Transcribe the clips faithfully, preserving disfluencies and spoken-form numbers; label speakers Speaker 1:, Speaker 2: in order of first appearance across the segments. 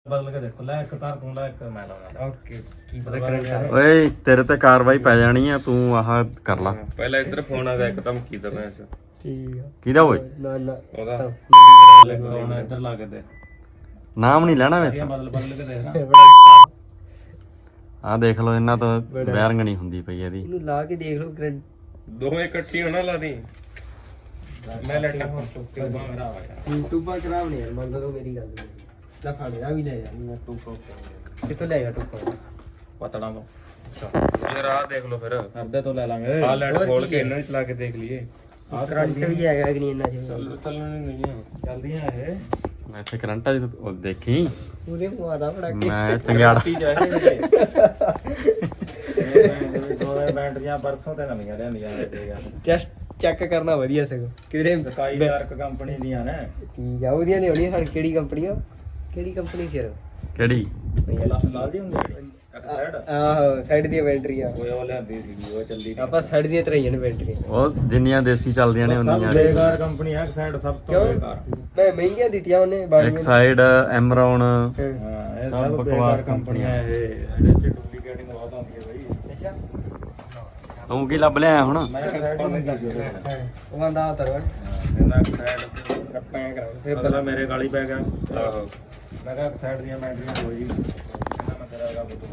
Speaker 1: ਬਦਲ ਕੇ ਦੇਖੋ ਲੈ ਇੱਕ ਤਾਰ ਤੂੰ ਲੈ ਇੱਕ ਮੈਂ ਲਾਉਣਾ
Speaker 2: ਓਕੇ ਕੀ ਪਤਾ ਕਰੰਟ
Speaker 3: ਓਏ ਤੇਰੇ ਤੇ ਕਾਰਵਾਈ ਪੈ ਜਾਣੀ ਆ ਤੂੰ ਆਹ ਕਰ ਲਾ
Speaker 4: ਪਹਿਲਾਂ ਇੱਧਰ ਫੋਨ ਆ ਗਿਆ ਇੱਕਦਮ ਕੀ ਦਾ ਮੈਂ
Speaker 2: ਠੀਕ ਆ
Speaker 3: ਕਿਹਦਾ ਓਏ
Speaker 2: ਨਾ ਨਾ
Speaker 4: ਉਹਦਾ
Speaker 1: ਹੁਣ ਇੱਧਰ ਲਾ ਕੇ ਦੇ
Speaker 3: ਨਾਮ ਨਹੀਂ ਲੈਣਾ ਵਿੱਚ
Speaker 1: ਬਦਲ ਬਦਲ ਕੇ ਦੇਖ ਨਾ
Speaker 3: ਆਹ ਦੇਖ ਲਓ ਇਹਨਾਂ ਤੋਂ ਵੈਰਿੰਗ ਨਹੀਂ ਹੁੰਦੀ ਪਈ ਇਹਦੀ
Speaker 2: ਇਹਨੂੰ ਲਾ ਕੇ ਦੇਖ ਲਓ ਕਰੰਟ
Speaker 4: ਦੋਵੇਂ ਇਕੱਠੀ ਹੋਣਾ ਲਾ ਦੀ ਮੈਂ ਲੈਟਾ ਹੁਣ ਚੁੱਕ ਕੇ ਮੇਰਾ ਆ ਗਿਆ
Speaker 2: ਟੂਬਾ ਖਰਾਬ ਨਹੀਂ ਯਾਰ ਮੰਨ ਲਓ ਮੇਰੀ ਗੱਲ ਲੈ ਫੜ ਆ ਵੀ ਲੈ ਜਾ ਮੈਂ ਟੂਬਾ ਕਿੱਥੋਂ ਲੈ ਜਾ ਟੂਬਾ
Speaker 1: ਪਤੜਾ ਤੋਂ
Speaker 4: ਯਾਰ ਆ ਦੇਖ ਲਓ ਫਿਰ
Speaker 1: ਕਰਦੇ ਤੋਂ ਲੈ ਲਾਂਗੇ
Speaker 4: ਆ ਲੈਟ ਖੋਲ ਕੇ ਇਹਨਾਂ ਨੂੰ ਚਲਾ ਕੇ ਦੇਖ ਲਈਏ
Speaker 1: ਆ
Speaker 2: ਕਰੰਟ ਵੀ ਹੈਗਾ ਕਿ ਨਹੀਂ ਇੰਨਾ ਜਿਹਾ
Speaker 4: ਚੱਲਣ ਨਹੀਂ ਆ
Speaker 1: ਚੱਲਦੀਆਂ ਇਹ
Speaker 3: ਮੈਂ ਇੱਥੇ ਕਰੰਟ ਆ ਜੀ ਤੂੰ ਦੇਖੀ
Speaker 2: ਪੂਰੇ ਮਾਦਾ ਫੜਾ ਕੇ
Speaker 3: ਮੈਂ ਚੰਗਿਆੜਾ
Speaker 4: ਟੀ ਜਾਏ
Speaker 1: ਦੋਵੇਂ ਬੈਟਰੀਆਂ ਪਰਸੋਂ ਤੇ ਨਵੀਆਂ ਲਿਆਂਦੀਆਂ ਇਹ
Speaker 2: ਜਸਟ ਚੈੱਕ ਕਰਨਾ ਵਧੀਆ ਸਗੋਂ ਕਿਧਰੇ
Speaker 1: ਸਕਾਈ ਡਾਰਕ ਕੰਪਨੀ ਦੀਆਂ ਨੇ
Speaker 2: ਠੀਕ ਆ ਉਹਦੀਆਂ ਨਹੀਂ ਹੋਣੀ ਸਾਡੀ ਕਿਹੜੀ ਕੰਪਨੀ ਆ ਕਿਹੜੀ ਕੰਪਨੀ ਸੀ ਯਾਰ
Speaker 3: ਕਿਹੜੀ
Speaker 1: ਲਾਲ ਦੀ ਹੁੰਦੀ ਇੱਕ ਸਾਈਡ
Speaker 2: ਆਹੋ ਸਾਈਡ ਦੀਆਂ ਬੈਟਰੀਆਂ
Speaker 1: ਉਹ ਉਹ ਲਿਆਂਦੀ ਸੀ ਉਹ ਚੱਲਦੀ
Speaker 2: ਆਪਾਂ ਸਾਈਡ ਦੀਆਂ ਤਰਾਈਆਂ ਨੇ ਬੈਟਰੀਆਂ
Speaker 3: ਉਹ ਜਿੰਨੀਆਂ ਦੇਸੀ ਚੱਲਦੀਆਂ ਨੇ
Speaker 1: ਸਭ
Speaker 3: ਉਨੀਆਂ
Speaker 1: ਬੇਕਾਰ ਕੰਪਨੀ ਹੈ ਇੱਕ ਸਾਈਡ ਸਭ ਤੋਂ
Speaker 2: ਕਿਉਂ
Speaker 1: ਬੇਕਾਰ
Speaker 2: ਮੈਂ ਮਹਿੰਗੀਆਂ ਦਿੱਤੀਆਂ ਉਹਨੇ
Speaker 3: ਇੱਕ
Speaker 2: ਬਾੜੀਆਂ
Speaker 3: ਸਾਈਡ ਐਮਰੌਨ
Speaker 1: ਹਾਂ ਇਹ
Speaker 3: ਸਭ
Speaker 1: ਸਭ
Speaker 3: ਬਕਵਾਸ
Speaker 1: ਬੇਕਾਰ ਕੰਪਨੀਆਂ ਇਹ ਇਹਦੇ ਚ ਡੁਪਲੀਕੇਟਿੰਗ ਬਹੁਤ ਆਉਂਦੀ ਹੈ ਬਈ
Speaker 2: ਅੱਛਾ
Speaker 3: ਤੂੰ ਕੀ ਲੱਭ ਲਿਆ ਹੁਣ
Speaker 1: ਮੈਂ ਇੱਕ ਸਾਈਡ ਨਹੀਂ ਦੱਸ ਦਿਓ
Speaker 2: ਉਹ ਆਂਦਾ ਤਰਵਾ
Speaker 1: ਕਹਿੰਦਾ ਇੱਕ ਸਾਈਡ
Speaker 2: ਰੱਪਾਂ ਕਰਾ
Speaker 1: ਫਿਰ ਬਦਲਾ ਮੇਰੇ ਗਾਲੀ ਪੈ ਗਿਆ
Speaker 4: ਆਹੋ
Speaker 1: ਮੈਂ ਕਿਹਾ ਇੱਕ ਸਾਈਡ ਦੀਆਂ ਬੈਟਰੀਆਂ ਦੋ ਜੀ ਕਹਿੰਦਾ ਮੈਂ ਤੇਰਾ ਹੈਗਾ ਬੁੱਤ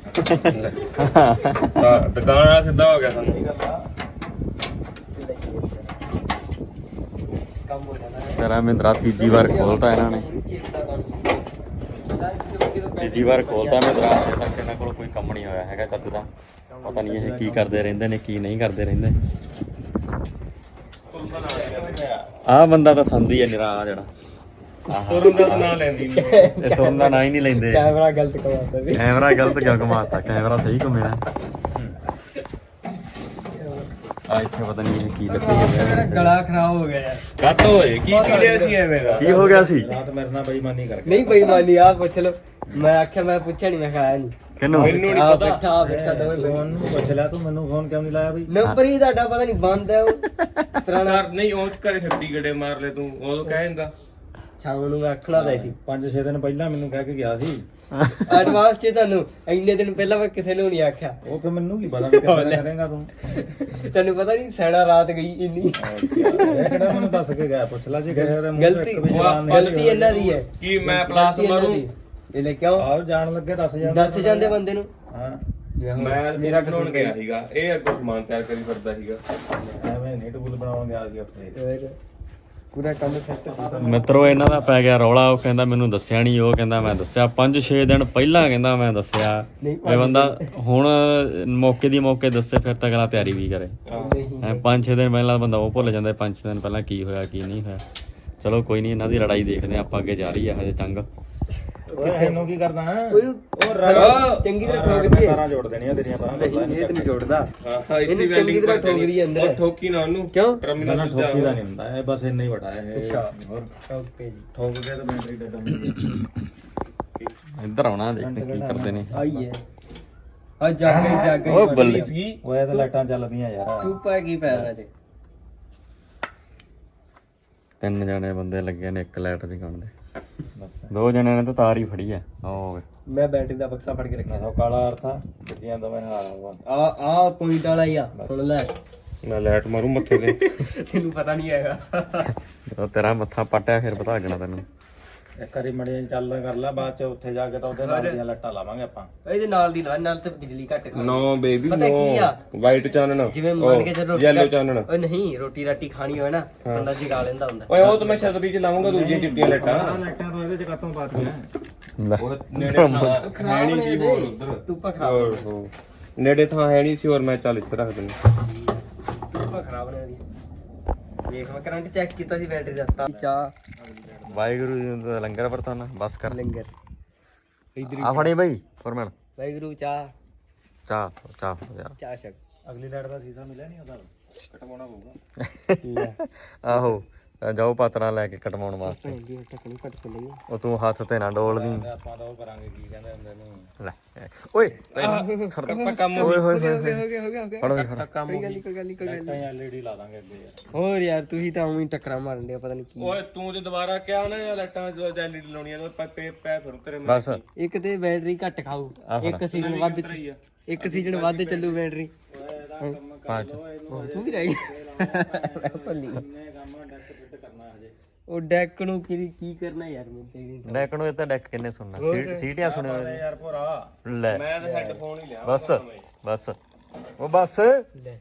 Speaker 4: ਤਾਂ ਦੁਕਾਨ ਵਾਲਾ ਸਿੱਧਾ ਹੋ ਗਿਆ ਸਾਨੂੰ
Speaker 1: ਇਹ ਗੱਲ ਆ
Speaker 2: ਕੰਮ ਹੋ ਜਾਣਾ
Speaker 3: ਤੇਰਾ ਮਿੰਦਰਾ ਤੀਜੀ ਵਾਰ ਖੋਲਤਾ ਇਹਨਾਂ ਨੇ ਤੀਜੀ ਵਾਰ ਖੋਲਤਾ ਮਿੰਦਰਾ ਅਜੇ ਤੱਕ ਇਹਨਾਂ ਕੋਲ ਕੋਈ ਕੰਮ ਨਹੀਂ ਹੋਇਆ ਹੈਗਾ ਚੱਜ ਦਾ ਪਤਾ ਨਹੀਂ ਇਹ ਕੀ ਕਰਦੇ ਰਹਿੰਦੇ ਨੇ ਕੀ ਨਹੀਂ ਕਰਦੇ ਰਹਿੰਦੇ ਆਹ ਬੰਦਾ ਤਾਂ ਸੰਦੀ ਹੈ ਨਿਰਾ ਆ ਜਿਹੜਾ
Speaker 4: ਤੁਰਨ ਦਾ ਨਾਂ ਲੈਂਦੀ ਨਹੀਂ
Speaker 3: ਇਹ ਤੋਂ ਦਾ ਨਾਂ ਹੀ ਨਹੀਂ ਲੈਂਦੇ
Speaker 2: ਕੈਮਰਾ ਗਲਤ ਕਮਾਤਾ ਵੀ
Speaker 3: ਕੈਮਰਾ ਗਲਤ ਕਿਉਂ ਘੁਮਾਤਾ ਕੈਮਰਾ ਸਹੀ ਘੁੰਮਿਆ ਆ ਇੱਥੇ ਪਤਾ ਨਹੀਂ ਇਹ ਕੀ ਲੱਗੀ
Speaker 2: ਮੇਰਾ ਗਲਾ ਖਰਾਬ ਹੋ ਗਿਆ ਯਾਰ
Speaker 4: ਕੱਟ ਹੋਏ ਕੀ ਕੀ ਲਿਆ ਸੀ ਐਵੇਂ ਦਾ
Speaker 3: ਕੀ ਹੋ ਗਿਆ ਸੀ
Speaker 1: ਰਾਤ ਮੇਰੇ ਨਾਲ ਬੇਈਮਾਨੀ ਕਰਕੇ
Speaker 2: ਨਹੀਂ ਬੇਈਮਾਨੀ ਆ ਪੁੱਛ ਲੋ ਮੈਂ ਆਖਿਆ ਮੈਂ ਪੁੱਛਿਆ ਨਹੀਂ ਮੈਂ ਖਾਇਆ ਨਹੀਂ
Speaker 3: ਕਿਹਨੂੰ
Speaker 4: ਮੈਨੂੰ ਨਹੀਂ
Speaker 2: ਆ
Speaker 4: ਪਤਾ
Speaker 2: ਬੈਠਾ ਆ ਬੈਠਾ ਦੋਵੇਂ
Speaker 1: ਤੂੰ ਉਹਨੂੰ ਪੁੱਛ ਲਿਆ ਤੂੰ ਮੈਨੂੰ ਫੋਨ ਕਿਉਂ ਨਹੀਂ ਲਾਇਆ ਬਈ
Speaker 2: ਨੰਬਰ ਹੀ ਤੁਹਾਡਾ ਪਤਾ ਨਹੀਂ ਬੰਦ ਹੈ ਉਹ ਪੁਰਾਣਾ
Speaker 4: ਯਾਰ ਨਹੀਂ ਉਹ ਘਰੇ ਛੱਤੀ ਗੜੇ ਮਾਰ ਲੈ ਤੂੰ ਉਦੋਂ ਕਹਿ ਦਿੰਦਾ
Speaker 2: ਸ਼ਾਮ ਨੂੰ ਮੈਂ ਆਖਣਾ ਤਾਂ ਸੀ
Speaker 1: ਪੰਜ ਛੇ ਦਿਨ ਪਹਿਲਾਂ ਮੈਨੂੰ ਕਹਿ ਕੇ ਗਿਆ ਸੀ
Speaker 2: ਐਡਵਾਂਸ ਚ ਤੁਹਾਨੂੰ ਇੰਨੇ ਦਿਨ ਪਹਿਲਾਂ ਮੈਂ ਕਿਸੇ ਨੂੰ ਨਹੀਂ ਆਖਿਆ
Speaker 1: ਉਹ ਫਿਰ ਮੈਨੂੰ ਕੀ ਪਤਾ ਵੀ ਕਿੱਥੇ ਕਰੇਗਾ ਤੂੰ
Speaker 2: ਤੈਨੂੰ ਪਤਾ ਨਹੀਂ ਸੈਣਾ ਰਾਤ ਗਈ ਇੰਨੀ
Speaker 1: ਇਹ ਕਿਹੜਾ ਮੈਨੂੰ ਦੱਸ ਕੇ ਗਿਆ ਪੁੱਛ ਲੈ ਜੇ ਕਿਸੇ ਦੇ ਮੂੰਹ
Speaker 2: ਗਲਤੀ
Speaker 1: ਇੱਕ ਵੀ ਜਵਾਨ ਨਹੀਂ
Speaker 2: ਗਲਤੀ ਇਹਨਾਂ ਦੀ ਹੈ
Speaker 4: ਕੀ ਮੈਂ ਪਲਾਸ
Speaker 2: ਗਲਤੀ ਇਹਨਾਂ
Speaker 4: ਮਾਰੂ
Speaker 2: ਦੀ। ਇਹ ਲੈ ਕਿਉਂ
Speaker 1: ਆਓ ਜਾਣ ਲੱਗੇ ਦੱਸ ਜਾਂਦੇ
Speaker 2: ਦੱਸ ਜਾਂਦੇ ਬੰਦੇ ਨੂੰ
Speaker 1: ਹਾਂ
Speaker 4: ਮੈਂ ਮੇਰਾ ਬਣਾਉਣ ਗਿਆ ਸੀਗਾ ਇਹ ਅੱਗੋਂ ਸਮਾਨ ਤਿਆਰ ਕਰੀ ਫਿਰਦਾ ਸੀਗਾ
Speaker 1: ਐਵੇਂ ਨਹੀਂ ਟੂਲ ਬਣਾਉਣ ਗਿਆ ਸੀ ਉੱਥੇ
Speaker 2: ਪੂਰਾ ਕੰਮ ਸੈੱਟ
Speaker 3: ਮਿੱਤਰੋ ਇਹਨਾਂ ਦਾ ਪੈ ਗਿਆ ਰੌਲਾ ਉਹ ਕਹਿੰਦਾ ਮੈਨੂੰ ਦੱਸਿਆ ਨਹੀਂ ਉਹ ਕਹਿੰਦਾ ਮੈਂ ਦੱਸਿਆ ਪੰਜ ਛੇ ਦਿਨ ਪਹਿਲਾਂ ਕਹਿੰਦਾ ਮੈਂ ਦੱਸਿਆ
Speaker 2: ਨਹੀਂ
Speaker 3: ਇਹ ਬੰਦਾ ਹੁਣ ਮੌਕੇ ਦੀ ਮੌਕੇ ਦੱਸੇ ਫਿਰ ਤਾਂ ਅਗਲਾ ਤਿਆਰੀ ਵੀ ਕਰੇ
Speaker 2: ਨਹੀਂ
Speaker 3: ਐ ਪੰਜ ਛੇ ਦਿਨ ਪਹਿਲਾਂ ਬੰਦਾ ਉਹ ਭੁੱਲ ਜਾਂਦਾ ਪੰਜ ਛੇ ਦਿਨ ਪਹਿਲਾਂ ਕੀ ਹੋਇਆ ਕੀ ਨਹੀਂ ਹੋਇਆ ਚਲੋ ਕੋਈ ਨਹੀਂ ਇਹਨਾਂ ਦੀ ਲੜਾਈ ਦੇਖਦੇ ਆਪਾਂ ਅੱਗੇ ਜਾ ਰਹੀ ਹੈ ਹਜੇ ਚੰਗ
Speaker 1: ਓਏ ਇਹਨੂੰ ਕੀ ਕਰਦਾ ਹਾਂ
Speaker 2: ਓਏ
Speaker 1: ਉਹ ਰਗ
Speaker 2: ਚੰਗੀ ਤਰ੍ਹਾਂ ਠੋਕਦੀ ਹੈ
Speaker 1: ਤਾਰਾਂ ਜੋੜ ਦੇਣੀਆਂ ਤੇਰੀਆਂ ਪਰਾਂ
Speaker 2: ਨਹੀਂ ਇਹ ਤੇ ਨਹੀਂ ਜੋੜਦਾ
Speaker 4: ਹਾਂ ਇੱਥੇ
Speaker 2: ਇਹਨੂੰ ਚੰਗੀ ਤਰ੍ਹਾਂ ਠੋਕਦੀ ਹੈ ਅੰਦਰ।
Speaker 4: ਉਹ ਠੋਕੀ ਨਾ ਉਹਨੂੰ
Speaker 2: ਕਿਉਂ
Speaker 4: ਟਰਮੀਨਲ
Speaker 1: ਨਾ
Speaker 4: ਤੇ
Speaker 1: ਠੋਕੀ ਦਾ ਨਹੀਂ ਹੁੰਦਾ ਇਹ ਬਸ ਇੰਨਾ ਹੀ ਵੱਡਾ ਹੈ ਇਹ
Speaker 2: ਅੱਛਾ।
Speaker 1: ਹੋਰ
Speaker 2: ਓਕੇ ਜੀ
Speaker 1: ਠੋਕ ਕੇ ਤਾਂ ਬੈਟਰੀ ਤੇ ਡੰਮ
Speaker 3: ਇੱਧਰ ਆਉਣਾ ਦੇਖਦੇ ਕੀ ਕਰਦੇ ਨੇ
Speaker 2: ਆਈ ਹੈ ਆ ਜਾਗ ਗਈ ਜਾਗ ਗਈ
Speaker 3: ਉਹ ਬੱਲੇ
Speaker 4: ਸੀਗੀ
Speaker 1: ਓਏ ਇਹ ਤਾਂ ਲਾਈਟਾਂ ਚੱਲਦੀਆਂ ਯਾਰ
Speaker 2: ਤੂੰ ਪਾ ਕੀ ਪੈਣਾ ਤੇ
Speaker 3: ਤਿੰਨ ਜਣੇ ਬੰਦੇ ਲੱਗੇ ਨੇ ਇੱਕ ਲਾਈਟ ਦੀ ਗਣ ਦੇ ਦੋ ਜਣਿਆਂ ਨੇ ਤਾਂ ਤਾਰ ਹੀ ਫੜੀ ਆ ਉਹ
Speaker 2: ਮੈਂ ਬੈਟਰੀ ਦਾ ਬਕਸਾ ਫੜ ਕੇ ਰੱਖਿਆ
Speaker 1: ਉਹ ਕਾਲਾ ਅਰਥਾ ਜਿੱਦੀਆਂ ਦੋਵੇਂ ਹਾਲ ਹੋਵਾ
Speaker 2: ਆ ਆ ਪੁਆਇੰਟ ਵਾਲਾ ਹੀ ਆ ਸੁਣ ਲੈ
Speaker 4: ਮੈਂ ਲਾਈਟ ਮਾਰੂ ਮੱਥੇ ਤੇ
Speaker 2: ਤੈਨੂੰ ਪਤਾ ਨਹੀਂ ਹੈਗਾ
Speaker 3: ਜਦੋਂ ਤੇਰਾ ਮੱਥਾ ਪਟਿਆ ਫਿਰ ਪਤਾ ਲੱਗਣਾ ਤੈਨੂੰ
Speaker 1: ਇੱਕ ਵਾਰੀ ਮੜੀਆਂ ਚੱਲ ਕਰ ਲੈ ਬਾਅਦ ਚ ਉੱਥੇ ਜਾ ਕੇ ਤਾਂ ਉਹਦੇ ਨਾਲ ਦੀਆਂ ਲੱਟਾਂ ਲਾਵਾਂਗੇ ਆਪਾਂ
Speaker 2: ਇਹਦੇ ਨਾਲ ਦੀ ਲਾ ਨਾਲ ਤੇ ਬਿਜਲੀ ਘੱਟ ਕਰ
Speaker 4: ਨੋ ਬੇਬੀ
Speaker 2: ਪਤਾ ਕੀ ਆ
Speaker 4: ਵਾਈਟ ਚਾਨਣ
Speaker 2: ਜਿਵੇਂ ਮੰਨ ਕੇ ਚੱਲ
Speaker 4: ਯੈਲੋ ਚਾਨਣ
Speaker 2: ਓਏ ਨਹੀਂ ਰੋਟੀ ਰਾਟੀ ਖਾਣੀ ਹੋਵੇ ਨਾ ਬੰਦਾ ਜਗਾ ਲੈਂਦਾ ਹੁੰਦਾ
Speaker 4: ਓਏ ਉਹ ਤਾਂ ਮੈਂ ਛਤਰੀ ਚ ਲਾਉਂਗਾ ਦੂਜੀਆਂ ਚਿੱਟੀਆਂ ਲਾਈਟਾਂ
Speaker 1: ਲਾਈਟਾਂ ਤਾਂ ਇਹਦੇ ਚ ਕਾਤੋਂ ਪਾਤੀਆਂ
Speaker 3: ਲੈ
Speaker 4: ਉਹ ਨੇੜੇ ਥਾਂ ਹੈ ਨਹੀਂ ਸੀ ਹੋਰ ਉਧਰ
Speaker 2: ਟੂਪਾ ਖਰਾਬ
Speaker 4: ਓਹੋ ਨੇੜੇ ਥਾਂ ਹੈ ਨਹੀਂ ਸੀ ਹੋਰ ਮੈਂ ਚੱਲ ਇੱਥੇ ਰੱਖ ਦਿੰਦਾ
Speaker 2: ਟੂਪਾ ਖਰਾਬ ਨੇ ਉਹਦੀ ਵੇਖ ਮੈਂ ਕਰੰਟ ਚੈੱਕ ਕੀਤਾ ਸੀ ਬੈਟਰੀ ਦਾ ਤਾਂ ਚਾਹ
Speaker 3: ਵਾਹਿਗੁਰੂ ਜੀ ਦਾ ਲੰਗਰ ਵਰਤਾਨਾ ਬਸ ਕਰ
Speaker 2: ਲੰਗਰ ਇਧਰ
Speaker 3: ਆ ਫੜੀ ਬਈ ਫਰਮਾਨ
Speaker 2: ਵਾਹਿਗੁਰੂ ਚਾਹ
Speaker 3: ਚਾਹ ਚਾਹ ਯਾਰ
Speaker 2: ਚਾਹ ਛਕ
Speaker 1: ਅਗਲੀ ਲਾਈਟ ਦਾ ਸੀਸਾ ਮਿਲਿਆ ਨਹੀਂ ਉਹਦਾ ਕਟਵਾਉਣਾ ਪਊਗਾ
Speaker 3: ਆਹੋ ਜਾਓ ਪਾਤਰਾ ਲੈ ਕੇ ਕਟਵਾਉਣ ਵਾਸਤੇ
Speaker 2: ਭੈਂਦੀ ਟੱਕਣੀ ਘੱਟ ਕੇ ਲਈ
Speaker 3: ਉਹ ਤੂੰ ਹੱਥ ਤੇ ਨਾ ਡੋਲਦੀ
Speaker 1: ਆਪਾਂ ਤਾਂ ਉਹ ਕਰਾਂਗੇ ਕੀ ਕਹਿੰਦੇ ਹੁੰਦੇ ਨੂੰ
Speaker 3: ਲੈ ਓਏ
Speaker 4: ਆਪਾਂ ਕੰਮ
Speaker 3: ਓਏ ਹੋਏ
Speaker 2: ਹੋ ਗਿਆ ਹੋ ਗਿਆ ਹੋ ਗਿਆ ਹੋ ਗਿਆ
Speaker 3: ਫੜੋ ਜੀ, ਫੜੋ
Speaker 4: ਕੰਮ
Speaker 2: ਕੋਈ ਗੱਲ ਨਹੀਂ ਕੋਈ ਗੱਲ ਨਹੀਂ ਕੋਈ ਗੱਲ
Speaker 1: ਲਾਈਟਾਂ ਐਲਈਡੀ ਲਾ ਦਾਂਗੇ ਅੱਗੇ ਯਾਰ
Speaker 2: ਹੋਰ ਯਾਰ ਤੁਸੀਂ ਤਾਂ ਉਵੇਂ ਹੀ ਟੱਕਰਾਂ ਮਾਰਨ ਦੇ ਪਤਾ ਨਹੀਂ ਕੀ
Speaker 4: ਓਏ ਤੂੰ ਜੇ ਦੁਬਾਰਾ ਕਿਹਾ ਨਾ ਯਾਰ ਲਾਈਟਾਂ ਐਲਈਡੀ ਲਾਉਣੀਆਂ ਤਾਂ ਪੈ ਪੈ ਫਿਰ ਤੇਰੇ ਮੈਂ
Speaker 3: ਬਸ
Speaker 2: ਇੱਕ ਤੇ ਬੈਟਰੀ ਘੱਟ ਖਾਊ
Speaker 3: ਆਹ ਫੜ।
Speaker 2: ਇੱਕ ਸੀਜ਼ਨ ਵੱਧ
Speaker 4: ਰਹੀ ਆ
Speaker 2: ਇੱਕ ਸੀਜ਼ਨ ਵੱਧ ਚੱਲੂ ਬੈਟਰੀ
Speaker 1: ਓਏ ਇਹਦਾ ਕੰਮ ਕਰ ਲੋ ਇਹਨੂੰ
Speaker 2: ਤੂੰ ਵੀ ਰਹਿ ਗਿਆ ਭੱਲੀ
Speaker 1: ਇੰਨੇ ਕੰਮ ਡੈਕ ਫਿੱਟ ਕਰਨਾ ਹਜੇ
Speaker 2: ਉਹ ਡੈਕ ਨੂੰ ਕੀ ਕੀ ਕਰਨਾ ਯਾਰ ਮੈਨੂੰ ਤੇ ਨਹੀਂ
Speaker 3: ਡੈਕ ਨੂੰ ਇਹ ਤਾਂ ਡੈਕ ਕਿੰਨੇ ਸੁਣਨਾ ਸੀ- ਸੀਟੀਆਂ ਸੁਣਿਓ
Speaker 1: ਅਰੇ ਯਾਰ ਭੋਰਾ
Speaker 3: ਲੈ
Speaker 4: ਮੈਂ ਤਾਂ ਹੈੱਡਫੋਨ ਹੀ ਲਿਆ
Speaker 3: ਬਸ ਬਸ ਉਹ ਬਸ
Speaker 2: ਲੈ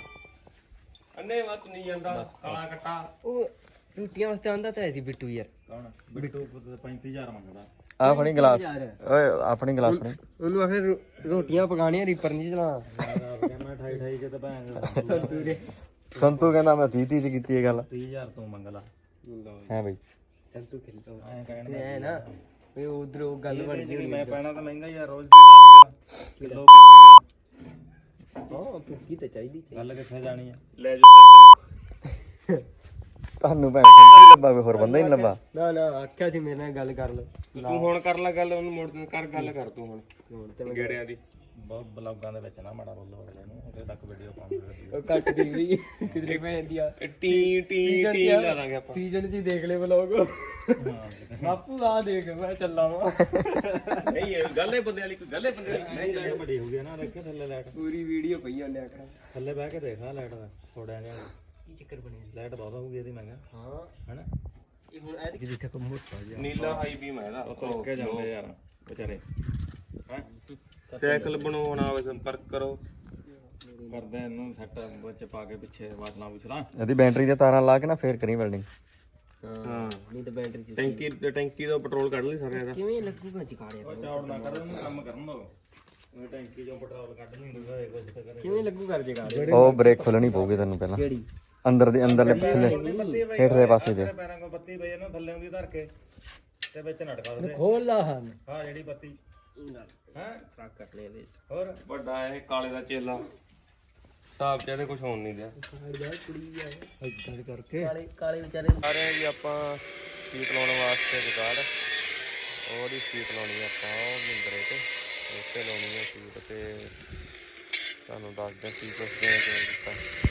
Speaker 4: ਅੰਨੇ ਵੱਤ ਨਹੀਂ ਜਾਂਦਾ ਕਾਲਾ ਕੱਟਾ
Speaker 2: ਉਹ ਟੂਟੀਆਂ ਵਾਸਤੇ ਆਂਦਾ ਤਾਂ ਸੀ ਬਿੱਟੂ ਯਾਰ
Speaker 1: ਕੌਣ ਬਿੱਟੂ ਪੈਂਤੀ ਹਜ਼ਾਰ ਮੰਗਦਾ
Speaker 3: ਆ ਫੜੀ ਗਲਾਸ ਓਏ ਆਪਣੀ ਗਲਾਸ ਫੜੀ
Speaker 2: ਉਹਨੂੰ ਆਖੇ ਰੋ- ਰੋਟੀਆਂ ਪਕਾਣੀਆਂ ਰੀਪਰ ਨਹੀਂ ਚਲਾਣਾ
Speaker 1: ਮੈਂ ਅਠਾਈ ਅਠਾਈ ਚ ਤਾਂ ਭੈਣ
Speaker 3: ਸੰਤੂ ਕਹਿੰਦਾ ਮੈਂ ਤੀਹ ਤੀਹ ਚ ਕੀਤੀ ਇਹ ਗੱਲ
Speaker 1: ਤੀਹ ਹਜ਼ਾਰ ਤੂੰ ਮੰਗ ਲਾ
Speaker 3: ਹੈ ਬਈ
Speaker 2: ਸੰਤੂ ਖੇਲਦਾ
Speaker 1: ਐਂ ਕਹਿਣ
Speaker 2: ਐ ਨਾ ਵੇ ਉਧਰ ਉਹ ਗੱਲ ਬਣ ਗਈ
Speaker 1: ਮੈਂ ਪੈਣਾ ਤਾਂ ਮਹਿੰਗਾ ਯਾਰ ਰੋਜ਼ ਦੀ ਦਾਰੂ ਆ ਕਿਲੋ ਪੀਤੀ
Speaker 2: ਹਾਂ ਭੁੱਖੀ ਤਾਂ ਚਾਹੀਦੀ
Speaker 1: ਆ ਗੱਲ ਕਿੱਥੇ ਜਾਣੀ ਆ
Speaker 4: ਲੈ ਜਾ
Speaker 3: ਤੁਹਾਨੂੰ ਭੈਣ ਸੰਤੂ ਹੀ ਲੱਭਾ ਕੋਈ ਹੋਰ ਬੰਦਾ ਹੀ ਨਹੀਂ ਲੱਭਾ
Speaker 2: ਨਾ ਨਾ ਆਖਿਆ ਸੀ ਮੇਰੇ ਨਾਲ ਗੱਲ ਕਰ ਲਓ
Speaker 4: ਤੂੰ ਹੁਣ ਕਰ ਲੈ ਗੱਲ ਉਹਨੂੰ ਮੋੜ ਕਰ ਗੱਲ ਕਰ ਤੂੰ ਹੁਣ
Speaker 2: ਹੁਣ ਤੇ
Speaker 4: ਗੇੜਿਆਂ ਦੀ
Speaker 1: ਬਹੁਤ ਬਲੌਗਾਂ ਦੇ ਵਿੱਚ ਨਾ ਮਾੜਾ ਬੋਲੋ ਅਗਲੇ ਨੂੰ ਉਹਦੇ ਤੱਕ ਵੀਡੀਓ ਪਾਉਂਦੇ
Speaker 2: ਉਹ ਕੱਟ ਦੀ ਵੀ ਕਿਧਰੇ ਪੈਂਦੀ ਆ
Speaker 4: ਟੀ ਟੀ ਟੀ ਲਾ ਦਾਂਗੇ ਆਪਾਂ
Speaker 2: ਸੀਜ਼ਨ ਜੀ ਦੇਖ ਲੈ ਵਲੋਗ ਬਾਪੂ ਆ ਦੇਖ ਮੈਂ ਚੱਲਾਂ ਵਾ
Speaker 4: ਨਹੀਂ ਇਹ ਗੱਲ ਹੈ ਬੰਦੇ ਵਾਲੀ ਕੋਈ ਗੱਲ ਹੈ ਬੰਦੇ ਵਾਲੀ ਨਹੀਂ
Speaker 1: ਲਾਈਟ ਬੜੀ ਹੋ ਗਈ ਨਾ ਦੇਖੇ ਥੱਲੇ ਲਾਈਟ
Speaker 2: ਪੂਰੀ ਵੀਡੀਓ ਪਈ ਉਹਨੇ ਆਖਣਾ
Speaker 1: ਥੱਲੇ ਬਹਿ ਕੇ ਦੇਖ ਆ ਲਾਈਟ ਦਾ ਥੋੜਿਆਂ ਜਿਹਾ
Speaker 2: ਕੀ ਚੱਕਰ ਬਣਿਆ
Speaker 1: ਲਾਈਟ ਬਹੁਤ ਹੋਊਗੀ ਇਹਦੀ ਮੈਂ ਕਿਹਾ
Speaker 2: ਹਾਂ
Speaker 1: ਹਨਾ
Speaker 2: ਇਹ ਹੁਣ ਐ ਜਿੱਥੇ ਕੋ ਮੋਟਾ ਜਿਹਾ
Speaker 4: ਨੀਲਾ ਹਾਈ ਬੀਮ ਹੈ ਇਹਦਾ
Speaker 1: ਤੁਰ ਕੇ ਜਾਂਦੇ ਯਾਰ ਵਿਚਾਰੇ ਹੈ
Speaker 4: ਸਾਈਕਲ ਬਣਾਉਣਾ ਹੋਵੇ ਸੰਪਰਕ ਕਰੋ
Speaker 1: ਕਰਦੇ ਇਹਨੂੰ ਸੈੱਟ ਵਿੱਚ ਪਾ ਕੇ ਪਿੱਛੇ ਵਾਸਲਾਂ ਵਿਚਲਾ
Speaker 3: ਇਹਦੀ ਬੈਟਰੀ ਦੀਆਂ ਤਾਰਾਂ ਲਾ ਕੇ ਨਾ ਫੇਰ ਕਰੀ ਵੈਲਡਿੰਗ
Speaker 4: ਹਾਂ
Speaker 2: ਨਹੀਂ ਤਾਂ ਬੈਟਰੀ ਚ
Speaker 4: ਟੈਂਕੀ ਟੈਂਕੀ ਦਾ ਪੈਟਰੋਲ ਕੱਢ ਲਈ ਸਾਰਿਆਂ ਦਾ
Speaker 2: ਕਿਵੇਂ ਲੱਗੂਗਾ ਜਕਾੜਿਆ
Speaker 1: ਚੌੜ ਨਾ ਕਰ ਉਹਨੂੰ ਕੰਮ ਕਰਨ ਦੋ ਉਹ ਟੈਂਕੀ ਚੋਂ ਪੈਟਰੋਲ ਕੱਢ ਨਹੀਂ ਹੁੰਦਾ ਇਹ ਕੁਝ ਤੇ ਕਰੇ
Speaker 2: ਕਿਵੇਂ ਲੱਗੂ ਕਰ ਜਕਾੜਿਆ
Speaker 3: ਉਹ ਬ੍ਰੇਕ ਖੋਲਣੀ ਪਊਗੀ ਤੈਨੂੰ ਪਹਿਲਾਂ
Speaker 2: ਕਿਹੜੀ
Speaker 3: ਅੰਦਰ ਦੇ ਅੰਦਰਲੇ ਪਿਛਲੇ ਹੇਠਲੇ ਪਾਸੇ ਦੇ
Speaker 1: ਪੈਰਾਂ ਕੋ ਬੱਤੀ ਪਈ ਇਹਨੂੰ ਥੱਲੇ ਹੁੰਦੀ ਧਰ ਕੇ ਤੇ ਵਿੱਚ ਨਟਕਾ ਦੇ
Speaker 2: ਖੋਲ ਲਾ ਹਾਂ
Speaker 1: ਹਾਂ ਜਿਹੜੀ ਬੱਤੀ ਹੈ
Speaker 2: ਸਾਕ ਕਰ ਲੈ ਵਿੱਚ
Speaker 1: ਹੋਰ
Speaker 4: ਵੱਡਾ ਇਹ ਕਾਲੇ ਦਾ ਚੇਲਾ ਹਿਸਾਬ ਚ ਇਹਦੇ ਕੁਝ ਹੋਣ ਨਹੀਂ ਦਿਆ
Speaker 2: ਇਦਾਂ ਕਰਕੇ ਕਾਲੇ ਕਾਲੇ ਵਿਚਾਰੇ
Speaker 3: ਆ ਰਹੇ ਜੀ ਆਪਾਂ ਸੀਟ ਲਾਉਣ ਵਾਸਤੇ ਜਗਾੜ ਉਹਦੀ ਸੀਟ ਲਾਉਣੀ ਆਪਾਂ ਉਹ ਮਿੰਦਰੇ ਤੇ ਉੱਤੇ ਲਾਉਣੀ ਹੈ ਸੀਟ ਤੇ ਤੁਹਾਨੂੰ ਦੱਸਦੇ ਕੀ ਕੁਛ ਕਿਵੇਂ ਕਿਵੇਂ ਕੀਤਾ